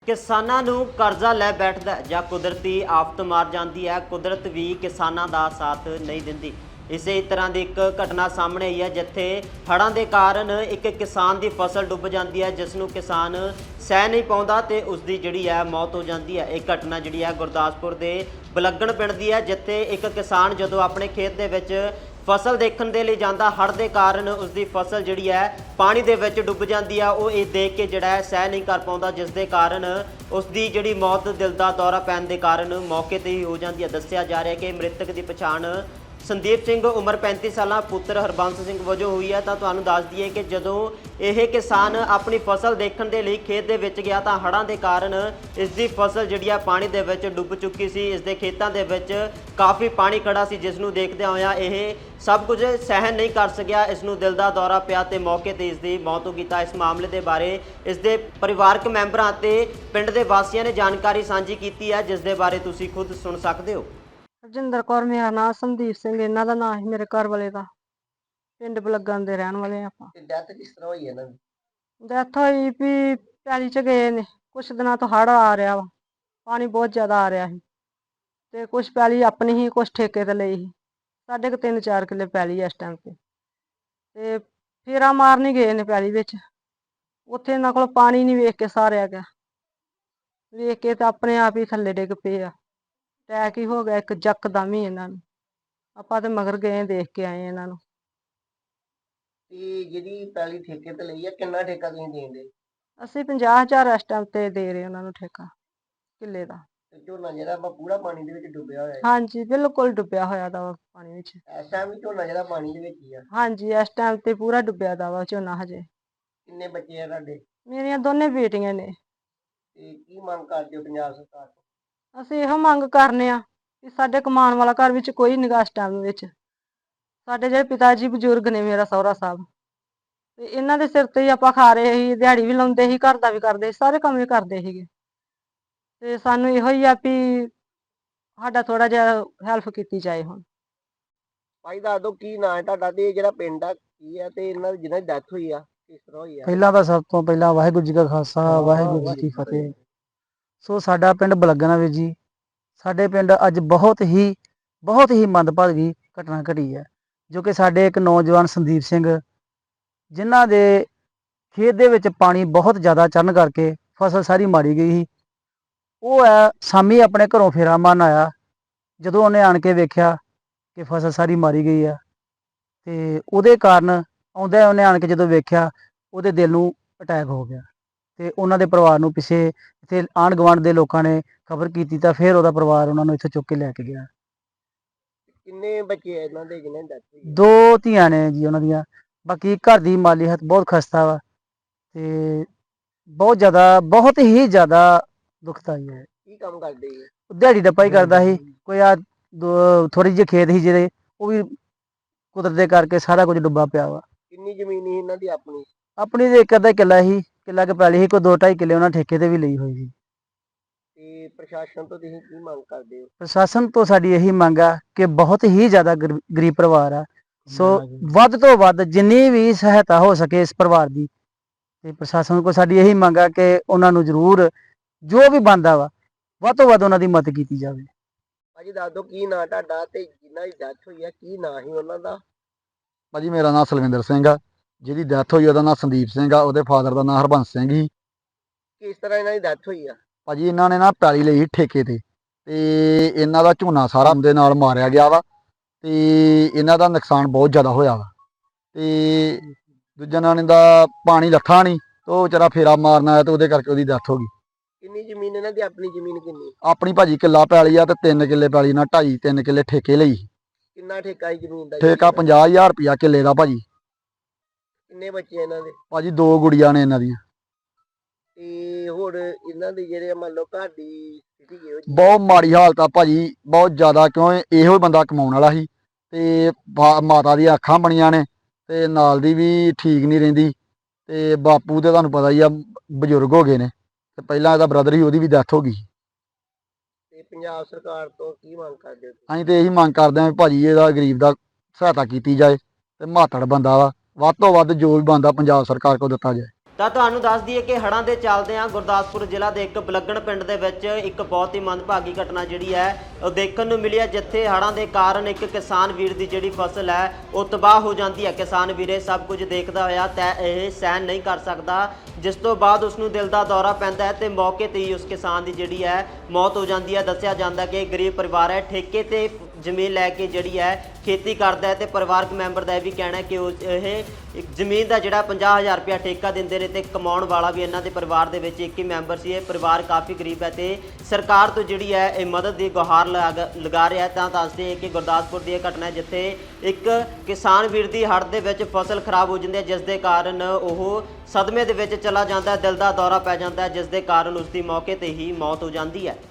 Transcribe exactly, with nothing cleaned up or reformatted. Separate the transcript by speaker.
Speaker 1: ਕਿਸਾਨਾਂ ਨੂੰ ਕਰਜ਼ਾ ਲੈ ਬੈਠਦਾ ਹੈ ਜਾਂ ਕੁਦਰਤੀ ਆਫਤ ਮਾਰ ਜਾਂਦੀ ਹੈ। ਕੁਦਰਤ ਵੀ ਕਿਸਾਨਾਂ ਦਾ ਸਾਥ ਨਹੀਂ ਦਿੰਦੀ। ਇਸੇ ਤਰ੍ਹਾਂ ਦੀ ਇੱਕ ਘਟਨਾ ਸਾਹਮਣੇ ਆਈ ਹੈ ਜਿੱਥੇ ਹੜ੍ਹਾਂ ਦੇ ਕਾਰਨ ਇੱਕ ਕਿਸਾਨ ਦੀ ਫਸਲ ਡੁੱਬ ਜਾਂਦੀ ਹੈ, ਜਿਸ ਨੂੰ ਕਿਸਾਨ ਸਹਿ ਨਹੀਂ ਪਾਉਂਦਾ ਤੇ ਉਸ ਦੀ ਜਿਹੜੀ ਹੈ ਮੌਤ ਹੋ ਜਾਂਦੀ ਹੈ। ਇਹ ਘਟਨਾ ਜਿਹੜੀ ਹੈ ਗੁਰਦਾਸਪੁਰ ਦੇ ਬਲੱਗਣ ਪਿੰਡ ਦੀ ਹੈ, ਜਿੱਥੇ ਇੱਕ ਕਿਸਾਨ ਜਦੋਂ ਆਪਣੇ ਖੇਤ ਦੇ ਵਿੱਚ ਫਸਲ ਦੇਖਣ ਦੇ ਲਈ ਜਾਂਦਾ, ਹੜ੍ਹ ਦੇ ਕਾਰਨ ਉਸ ਦੀ ਫਸਲ ਜਿਹੜੀ ਹੈ ਪਾਣੀ ਦੇ ਵਿੱਚ ਡੁੱਬ ਜਾਂਦੀ ਆ। ਉਹ ਇਹ ਦੇਖ ਕੇ ਜਿਹੜਾ ਹੈ ਸਹਿ ਨਹੀਂ ਕਰ ਪਾਉਂਦਾ, ਜਿਸ ਦੇ ਕਾਰਨ ਉਸ ਦੀ ਜਿਹੜੀ ਮੌਤ ਦਿਲ ਦਾ ਦੌਰਾ ਪੈਣ ਦੇ ਕਾਰਨ ਮੌਕੇ ਤੇ ਹੀ ਹੋ ਜਾਂਦੀ ਹੈ। ਦੱਸਿਆ ਜਾ ਰਿਹਾ ਕਿ ਮ੍ਰਿਤਕ ਦੀ ਪਛਾਣ ਸੰਦੀਪ ਸਿੰਘ ਉਮਰ ਪੈਂਤੀ ਸਾਲਾਂ ਪੁੱਤਰ ਹਰਬੰਸ ਸਿੰਘ ਵਜੋਂ ਹੋਈ ਹੈ। ਤਾਂ ਤੁਹਾਨੂੰ ਦੱਸ ਦਈਏ ਕਿ ਜਦੋਂ ਇਹ ਕਿਸਾਨ ਆਪਣੀ ਫਸਲ ਦੇਖਣ ਦੇ ਲਈ ਖੇਤ ਦੇ ਵਿੱਚ ਗਿਆ ਤਾਂ ਹੜ੍ਹਾਂ ਦੇ ਕਾਰਨ ਇਸ ਦੀ ਫਸਲ ਜਿਹੜੀ ਆ ਪਾਣੀ ਦੇ ਵਿੱਚ ਡੁੱਬ ਚੁੱਕੀ ਸੀ। ਇਸ ਦੇ ਖੇਤਾਂ ਦੇ ਵਿੱਚ ਕਾਫੀ ਪਾਣੀ ਖੜਾ ਸੀ, ਜਿਸ ਨੂੰ ਦੇਖਦਿਆਂ ਹੋਇਆਂ ਇਹ ਸਭ ਕੁਝ ਸਹਿਣ ਨਹੀਂ ਕਰ ਸਕਿਆ। ਇਸ ਨੂੰ ਦਿਲ ਦਾ ਦੌਰਾ ਪਿਆ ਤੇ ਮੌਕੇ ਤੇ ਇਸ ਦੀ ਮੌਤ ਹੋ ਗਈ। ਤਾਂ ਇਸ ਮਾਮਲੇ ਦੇ ਬਾਰੇ ਇਸ ਦੇ ਪਰਿਵਾਰਕ ਮੈਂਬਰਾਂ ਅਤੇ ਪਿੰਡ ਦੇ ਵਾਸੀਆਂ ਨੇ ਜਾਣਕਾਰੀ ਸਾਂਝੀ ਕੀਤੀ ਹੈ, ਜਿਸ ਦੇ ਬਾਰੇ ਤੁਸੀਂ ਖੁਦ ਸੁਣ ਸਕਦੇ ਹੋ।
Speaker 2: ਰਜਿੰਦਰ ਕੌਰ ਮੇਰਾ ਨਾਮ, ਸੰਦੀਪ ਸਿੰਘ ਇਹਨਾਂ ਦਾ ਨਾਮ ਸੀ, ਮੇਰੇ ਘਰ ਵਾਲੇ ਦਾ। ਪਿੰਡ ਬਲੱਗਣ ਦੇ ਰਹਿਣ ਵਾਲੇ ਆਪਾਂ।
Speaker 3: ਡੈਥ ਕਿਸ ਤਰ੍ਹਾਂ ਹੋਈ ਇਹਨਾਂ ਦੀ?
Speaker 2: ਡੈਥ ਹੋਈ ਵੀ ਪੈਲੀ ਚ ਗਏ ਨੇ, ਕੁਛ ਦਿਨਾਂ ਤੋਂ ਹੜ੍ਹ ਆ ਰਿਹਾ ਵਾ, ਪਾਣੀ ਬਹੁਤ ਜ਼ਿਆਦਾ ਆ ਰਿਹਾ ਸੀ ਤੇ ਕੁਛ ਪੈਲੀ ਆਪਣੀ ਹੀ, ਕੁਛ ਠੇਕੇ ਤੇ ਲਈ ਸੀ। ਸਾਡੇ ਕੁ ਤਿੰਨ ਚਾਰ ਕਿੱਲੇ ਪੈਲੀ ਇਸ ਟਾਈਮ ਤੇ ਤੇ ਫੇਰਾ ਮਾਰਨ ਹੀ ਗਏ ਨੇ ਪੈਲੀ ਵਿੱਚ। ਉੱਥੇ ਇਹਨਾਂ ਕੋਲ ਪਾਣੀ ਨਹੀਂ ਵੇਖ ਕੇ ਸਾਰਿਆ ਗਿਆ, ਵੇਖ ਕੇ ਤਾਂ ਆਪਣੇ ਆਪ ਹੀ ਥੱਲੇ ਡਿੱਗ ਪਏ ਆ। ਅਟੈਕ ਹੀ ਹੋ ਗਿਆ ਇੱਕ ਯਕਦਮ ਹੀ ਇਹਨਾਂ ਨੂੰ। ਆਪਾਂ ਤੇ ਮਗਰ ਗਏ, ਦੇਖ ਕੇ ਆਏ ਇਹਨਾਂ ਨੂੰ।
Speaker 3: ਤੇ ਜਿਹੜੀ ਪਹਿਲੀ ਠੇਕੇ ਤੇ ਲਈ ਆ, ਕਿੰਨਾ ਠੇਕਾ ਤੁਸੀਂ ਦੇਂਦੇ?
Speaker 2: ਅਸੀਂ ਪੰਜਾਹ ਹਜ਼ਾਰ ਇਸ ਟਾਈਮ ਤੇ ਦੇ ਰਹੇ ਉਹਨਾਂ ਨੂੰ ਠੇਕਾ ਕਿੱਲੇ ਦਾ।
Speaker 3: ਤੇ ਝੋਨਾ ਜਿਹੜਾ ਵਾ ਪੂਰਾ ਪਾਣੀ ਦੇ ਵਿੱਚ ਡੁੱਬਿਆ ਹੋਇਆ ਹੈ?
Speaker 2: ਹਾਂਜੀ, ਬਿਲਕੁਲ ਡੁੱਬਿਆ ਹੋਇਆ ਦਾ ਵਾ ਪਾਣੀ ਵਿੱਚ।
Speaker 3: ਇਸ ਟਾਈਮ ਵੀ ਝੋਨਾ ਜਿਹੜਾ ਪਾਣੀ ਦੇ ਵਿੱਚ ਹੀ ਆ?
Speaker 2: ਹਾਂਜੀ, ਇਸ ਟਾਈਮ ਤੇ ਪੂਰਾ ਡੁੱਬਿਆ ਦਾ ਵਾ ਝੋਨਾ ਹਜੇ।
Speaker 3: ਕਿੰਨੇ ਬੱਚੇ ਆ ਤੁਹਾਡੇ?
Speaker 2: ਮੇਰੀਆਂ ਦੋਨੇ ਬੇਟੀਆਂ ਨੇ।
Speaker 3: ਤੇ ਕੀ ਮੰਗ ਕਰਦੇ ਹੋ ਪੰਜਾਬ ਸਰਕਾਰ ਤੋਂ?
Speaker 2: ਅਸੀਂ ਇਹੋ ਮੰਗ ਕਰਨੇ ਆ ਕਿ ਸਾਡੇ ਕਮਾਉਣ ਵਾਲਾ ਘਰ ਵਿੱਚ ਕੋਈ ਨਿਗਾਹ ਇਸ ਟਾਈਮ ਵਿੱਚ। ਸਾਡੇ ਜਿਹੜੇ ਪਿਤਾ ਜੀ ਬਜ਼ੁਰਗ ਨੇ, ਮੇਰਾ ਸਹੁਰਾ ਸਾਹਿਬ, ਤੇ ਇਹਨਾਂ ਦੇ ਸਿਰ ਤੇ ਹੀ ਆਪਾਂ ਖਾ ਰਹੇ ਸੀ। ਦਿਹਾੜੀ ਵੀ ਲਾਉਂਦੇ ਸੀ, ਘਰ ਦਾ ਵੀ ਕਰਦੇ ਸੀ, ਸਾਰੇ ਕੰਮ ਵੀ ਕਰਦੇ ਸੀਗੇ। ਤੇ ਸਾਨੂੰ ਇਹੋ ਹੀ ਆ ਵੀ ਸਾਡਾ ਥੋੜਾ ਜਿਹਾ ਹੈਲਪ ਕੀਤੀ ਜਾਏ ਹੁਣ।
Speaker 3: ਭਾਈ ਦੱਸ ਦਿਓ ਕੀ ਨਾਂ ਹੈ ਤੁਹਾਡਾ ਤੇ ਜਿਹੜਾ ਪਿੰਡ ਆ ਕੀ ਆ, ਤੇ ਇਹਨਾਂ ਦੀ ਜਿਹਨਾਂ ਦੀ ਡੈਥ ਹੋਈ ਆ ਕਿਸ ਤਰ੍ਹਾਂ ਹੋਈ ਆ?
Speaker 4: ਪਹਿਲਾਂ ਤਾਂ ਸਭ ਤੋਂ ਪਹਿਲਾਂ ਵਾਹਿਗੁਰੂ ਜੀ ਕਾ ਖਾਲਸਾ, ਵਾਹਿਗੁਰੂ ਜੀ ਕੀ ਫਤਿਹ। ਸੋ ਸਾਡਾ ਪਿੰਡ ਬਲੱਗਣਾ ਵੀਰ ਜੀ, ਸਾਡੇ ਪਿੰਡ ਅੱਜ ਬਹੁਤ ਹੀ ਬਹੁਤ ਹੀ ਮੰਦਭਾਗੀ ਘਟਨਾ ਘਟੀ ਹੈ, ਜੋ ਕਿ ਸਾਡੇ ਇੱਕ ਨੌਜਵਾਨ ਸੰਦੀਪ ਸਿੰਘ, ਜਿਨ੍ਹਾਂ ਦੇ ਖੇਤ ਦੇ ਵਿੱਚ ਪਾਣੀ ਬਹੁਤ ਜ਼ਿਆਦਾ ਚੜ੍ਹਨ ਕਰਕੇ ਫਸਲ ਸਾਰੀ ਮਾਰੀ ਗਈ ਸੀ। ਉਹ ਹੈ ਸ਼ਾਮੀ ਆਪਣੇ ਘਰੋਂ ਫੇਰਾ ਮਾਰਨ ਆਇਆ, ਜਦੋਂ ਉਹਨੇ ਆਣ ਕੇ ਵੇਖਿਆ ਕਿ ਫਸਲ ਸਾਰੀ ਮਾਰੀ ਗਈ ਆ, ਤੇ ਉਹਦੇ ਕਾਰਨ ਆਉਂਦਾ ਉਹਨੇ ਆਣ ਕੇ ਜਦੋਂ ਵੇਖਿਆ, ਉਹਦੇ ਦਿਲ ਨੂੰ ਅਟੈਕ ਹੋ ਗਿਆ। ਤੇ ਉਹਨਾਂ ਦੇ ਪਰਿਵਾਰ ਨੂੰ ਪਿੱਛੇ ਇੱਥੇ ਆਂਢ ਗੁਆਂਢ ਦੇ ਲੋਕਾਂ ਨੇ ਖਬਰ ਕੀਤੀ, ਤਾਂ ਫਿਰ ਉਹਦਾ ਪਰਿਵਾਰ ਉਹਨਾਂ ਨੂੰ ਇੱਥੇ ਚੁੱਕ ਕੇ ਲੈ ਕੇ ਗਿਆ।
Speaker 3: ਕਿੰਨੇ ਬੱਚੇ ਆ ਇਹਨਾਂ ਦੇ ਜਿਹਨਾਂ ਦੀ ਡੈਥ ਹੋਈ ਆ?
Speaker 4: ਦੋ ਧੀਆਂ ਨੇ ਜੀ ਉਹਨਾਂ ਦੀਆਂ। ਬਾਕੀ ਘਰ ਦੀ ਮਾਲੀ ਹਾਲਤ ਬਹੁਤ ਖਸਤਾ ਵਾ ਤੇ ਬਹੁਤ ਜ਼ਿਆਦਾ ਬਹੁਤ ਹੀ ਜ਼ਿਆਦਾ ਦੁਖਦਾਈ ਹੈ।
Speaker 3: ਕੀ ਕੰਮ ਕਰਦੇ ਜੀ?
Speaker 4: ਦਿਹਾੜੀ ਡੱਪਾ ਹੀ ਕਰਦਾ ਸੀ। ਕੋਈ ਆ ਥੋੜੀ ਜਿਹੀ ਖੇਤ ਸੀ ਜਿਹੜੇ, ਉਹ ਵੀ ਕੁਦਰਤ ਦੇ ਕਰਕੇ ਸਾਰਾ ਕੁਝ ਡੁੱਬਾ ਪਿਆ ਵਾ।
Speaker 3: ਕਿੰਨੀ ਜ਼ਮੀਨ ਸੀ ਇਹਨਾਂ ਦੀ ਆਪਣੀ?
Speaker 4: ਆਪਣੀ ਤੇ ਇੱਕ ਅੱਧਾ ਕਿੱਲਾ ਸੀ, ਕਿੱਲਾ ਕੁ ਪੈਲੀ ਸੀ, ਕੋਈ ਦੋ ਢਾਈ ਕਿੱਲੇ ਉਹਨਾਂ ਠੇਕੇ ਤੇ ਵੀ ਲਈ ਹੋਈ ਸੀ।
Speaker 3: ਤੇ ਪ੍ਰਸ਼ਾਸਨ ਤੋਂ ਤੁਸੀਂ ਕੀ ਮੰਗ ਕਰਦੇ ਹੋ?
Speaker 4: ਪ੍ਰਸ਼ਾਸਨ ਤੋਂ ਸਾਡੀ ਇਹੀ ਮੰਗ ਆ ਕਿ ਬਹੁਤ ਹੀ ਜ਼ਿਆਦਾ ਗਰੀਬ ਪਰਿਵਾਰ ਆ, ਸੋ ਵੱਧ ਤੋਂ ਵੱਧ ਜਿੰਨੀ ਵੀ ਸਹਾਇਤਾ ਹੋ ਸਕੇ ਇਸ ਪਰਿਵਾਰ ਦੀ, ਤੇ ਪ੍ਰਸ਼ਾਸਨ ਕੋਲ ਸਾਡੀ ਇਹੀ ਮੰਗ ਆ ਕਿ ਉਹਨਾਂ ਨੂੰ ਜ਼ਰੂਰ ਜੋ ਵੀ ਬਣਦਾ ਵਾ ਵੱਧ ਤੋਂ ਵੱਧ ਉਹਨਾਂ ਦੀ ਮਦਦ ਕੀਤੀ ਜਾਵੇ।
Speaker 3: ਭਾਜੀ ਦੱਸ ਦਿਓ ਕੀ ਨਾਂ ਤੁਹਾਡਾ ਤੇ ਜਿਨ੍ਹਾਂ ਦੀ ਡੈਥ ਹੋਈ ਆ ਕੀ ਨਾਂ ਸੀ ਉਹਨਾਂ ਦਾ?
Speaker 5: ਭਾਜੀ ਮੇਰਾ ਨਾਮ ਸਲਵਿੰਦਰ ਸਿੰਘ ਆ, ਜਿਹਦੀ ਡੈਥ ਹੋਈ ਉਹਦਾ ਨਾਮ ਸੰਦੀਪ ਸਿੰਘ ਆ, ਉਹਦੇ ਫਾਦਰ ਦਾ ਨਾਮ ਹਰਬੰਸ ਸਿੰਘ ਸੀ।
Speaker 3: ਕਿਸ ਤਰ੍ਹਾਂ ਇਹਨਾਂ ਦੀ ਡੈਥ ਹੋਈ ਆ?
Speaker 5: ਭਾਜੀ ਇਹਨਾਂ ਨੇ ਨਾ ਪੈਲੀ ਲਈ ਠੇਕੇ ਤੇ ਤੇ ਇਹਨਾਂ ਦਾ ਝੋਨਾ ਸਾਰਾ ਦੇ ਨਾਲ ਮਾਰਿਆ ਗਿਆ ਵਾ, ਤੇ ਇਹਨਾਂ ਦਾ ਨੁਕਸਾਨ ਬਹੁਤ ਜ਼ਿਆਦਾ ਹੋਇਆ ਵਾ। ਤੇ ਦੂਜਾ ਨਾਂ ਦਾ ਪਾਣੀ ਲੱਥਾ ਨਹੀਂ, ਤੇ ਉਹ ਵਿਚਾਰਾ ਫੇਰਾ ਮਾਰਨ ਆਇਆ ਤੇ ਉਹਦੇ ਕਰਕੇ ਉਹਦੀ ਡੈਥ ਹੋ ਗਈ।
Speaker 3: ਕਿੰਨੀ ਜ਼ਮੀਨ ਇਹਨਾਂ ਦੀ? ਆਪਣੀ ਜ਼ਮੀਨ ਕਿੰਨੀ?
Speaker 5: ਆਪਣੀ ਭਾਜੀ ਕਿੱਲਾ ਪੈਲੀ ਆ ਤੇ ਤਿੰਨ ਕਿੱਲੇ ਪੈਲੀ ਨਾਲ ਢਾਈ ਤਿੰਨ ਕਿੱਲੇ ਠੇਕੇ ਲਈ।
Speaker 3: ਕਿੰਨਾ ਠੇਕਾ ਹੈ ਜ਼ਮੀਨ ਦਾ?
Speaker 5: ਠੇਕਾ ਪੰਜਾਹ ਹਜ਼ਾਰ ਰੁਪਇਆ ਕਿੱਲੇ ਦਾ ਭਾਜੀ।
Speaker 3: ਕਿੰਨੇ ਬੱਚੇ ਇਹਨਾਂ ਦੇ?
Speaker 5: ਭਾਜੀ ਦੋ ਗੁੜੀਆਂ ਨੇ ਇਹਨਾਂ ਦੀਆਂ।
Speaker 3: ਤੇ ਹੋਰ ਇਹਨਾਂ ਦੇ ਜਿਹੜੇ ਮੰਨ ਲਓ ਘਰ ਦੀ ਸਥਿਤੀ ਕਿਹੋ ਜਿਹੀ?
Speaker 5: ਬਹੁਤ ਮਾੜੀ ਹਾਲਤ ਆ ਭਾਜੀ, ਬਹੁਤ ਜ਼ਿਆਦਾ, ਕਿਉਂ ਇਹੋ ਹੀ ਬੰਦਾ ਕਮਾਉਣ ਵਾਲਾ ਸੀ ਤੇ ਮਾਤਾ ਦੀਆਂ ਅੱਖਾਂ ਬਣੀਆਂ ਨੇ ਤੇ ਨਾਲ ਦੀ ਵੀ ਠੀਕ ਨਹੀਂ ਰਹਿੰਦੀ, ਤੇ ਬਾਪੂ ਤੇ ਤੁਹਾਨੂੰ ਪਤਾ ਹੀ ਆ ਬਜ਼ੁਰਗ ਹੋ ਗਏ ਨੇ, ਤੇ ਪਹਿਲਾਂ ਇਹਦਾ ਬ੍ਰਦਰ ਸੀ, ਉਹਦੀ ਵੀ ਡੈਥ ਹੋ ਗਈ।
Speaker 3: ਤੇ ਪੰਜਾਬ ਸਰਕਾਰ ਤੋਂ ਕੀ ਮੰਗ ਕਰਦੇ ਹੋ?
Speaker 5: ਅਸੀਂ ਤੇ ਇਹੀ ਮੰਗ ਕਰਦੇ ਹਾਂ ਭਾਜੀ ਇਹਦਾ ਗਰੀਬ ਦਾ ਸਹਾਇਤਾ ਕੀਤੀ ਜਾਏ, ਤੇ ਮਾਤੜ ਬੰਦਾ ਵਾ, ਵੱਧ ਤੋਂ ਵੱਧ ਜੋ ਵੀ ਬਣਦਾ ਪੰਜਾਬ ਸਰਕਾਰ ਕੋਲ ਦਿੱਤਾ ਜਾਏ।
Speaker 1: ਤਾਂ ਤੁਹਾਨੂੰ ਦੱਸ ਦਈਏ ਕਿ ਹੜ੍ਹਾਂ ਦੇ ਚੱਲਦਿਆਂ ਗੁਰਦਾਸਪੁਰ ਜ਼ਿਲ੍ਹਾ ਦੇ ਇੱਕ ਬਲੱਗਣ ਪਿੰਡ ਦੇ ਵਿੱਚ ਇੱਕ ਬਹੁਤ ਹੀ ਮੰਦਭਾਗੀ ਘਟਨਾ ਜਿਹੜੀ ਹੈ ਉਹ ਦੇਖਣ ਨੂੰ ਮਿਲੀ ਹੈ, ਜਿੱਥੇ ਹੜ੍ਹਾਂ ਦੇ ਕਾਰਨ ਇੱਕ ਕਿਸਾਨ ਵੀਰ ਦੀ ਜਿਹੜੀ ਫਸਲ ਹੈ ਉਹ ਤਬਾਹ ਹੋ ਜਾਂਦੀ ਹੈ। ਕਿਸਾਨ ਵੀਰ ਇਹ ਸਭ ਕੁਝ ਦੇਖਦਾ ਹੋਇਆ ਤਾਂ ਇਹ ਸਹਿਣ ਨਹੀਂ ਕਰ ਸਕਦਾ, ਜਿਸ ਤੋਂ ਬਾਅਦ ਉਸ ਨੂੰ ਦਿਲ ਦਾ ਦੌਰਾ ਪੈਂਦਾ ਹੈ ਤੇ ਮੌਕੇ ਤੇ ਹੀ ਉਸ ਕਿਸਾਨ ਦੀ ਜਿਹੜੀ ਹੈ ਮੌਤ ਹੋ ਜਾਂਦੀ ਹੈ। ਦੱਸਿਆ ਜਾਂਦਾ ਕਿ ਗਰੀਬ ਪਰਿਵਾਰ ਹੈ, ਠੇਕੇ ਤੇ ਜ਼ਮੀਨ ਲੈ ਕੇ ਜਿਹੜੀ ਹੈ ਖੇਤੀ ਕਰਦਾ ਹੈ ਤੇ ਪਰਿਵਾਰਕ ਮੈਂਬਰ ਦਾ ਇਹ ਵੀ ਕਹਿਣਾ ਕਿ ਉਹ ਇਹ ਇੱਕ ਜ਼ਮੀਨ ਦਾ ਜਿਹੜਾ ਪੰਜਾਹ ਹਜ਼ਾਰ ਰੁਪਇਆ ਠੇਕਾ ਦਿੰਦੇ ਨੇ ਤੇ ਕਮਾਉਣ ਵਾਲਾ ਵੀ ਇਹਨਾਂ ਦੇ ਪਰਿਵਾਰ ਦੇ ਵਿੱਚ ਇੱਕ ਹੀ ਮੈਂਬਰ ਸੀ। ਇਹ ਪਰਿਵਾਰ ਕਾਫੀ ਗਰੀਬ ਹੈ ਤੇ ਸਰਕਾਰ ਤੋਂ ਜਿਹੜੀ ਹੈ ਇਹ ਮਦਦ ਦੀ ਗੁਹਾਰ ਲਗਾ ਲਗਾ ਰਿਹਾ ਹੈ। ਤਾਂ ਦੱਸਦੇ ਹੈ ਕਿ ਗੁਰਦਾਸਪੁਰ ਦੀ ਇਹ ਘਟਨਾ ਹੈ, ਜਿੱਥੇ ਇੱਕ ਕਿਸਾਨ ਵੀਰ ਦੀ ਹੜ੍ਹ ਦੇ ਵਿੱਚ ਫਸਲ ਖਰਾਬ ਹੋ ਜਾਂਦੀ ਹੈ, ਜਿਸ ਦੇ ਕਾਰਨ ਉਹ ਸਦਮੇ ਦੇ ਵਿੱਚ ਚਲਾ ਜਾਂਦਾ ਹੈ, ਦਿਲ ਦਾ ਦੌਰਾ ਪੈ ਜਾਂਦਾ ਹੈ, ਜਿਸ ਦੇ ਕਾਰਨ ਉਸ ਦੀ ਮੌਕੇ ਤੇ ਹੀ ਮੌਤ ਹੋ ਜਾਂਦੀ ਹੈ।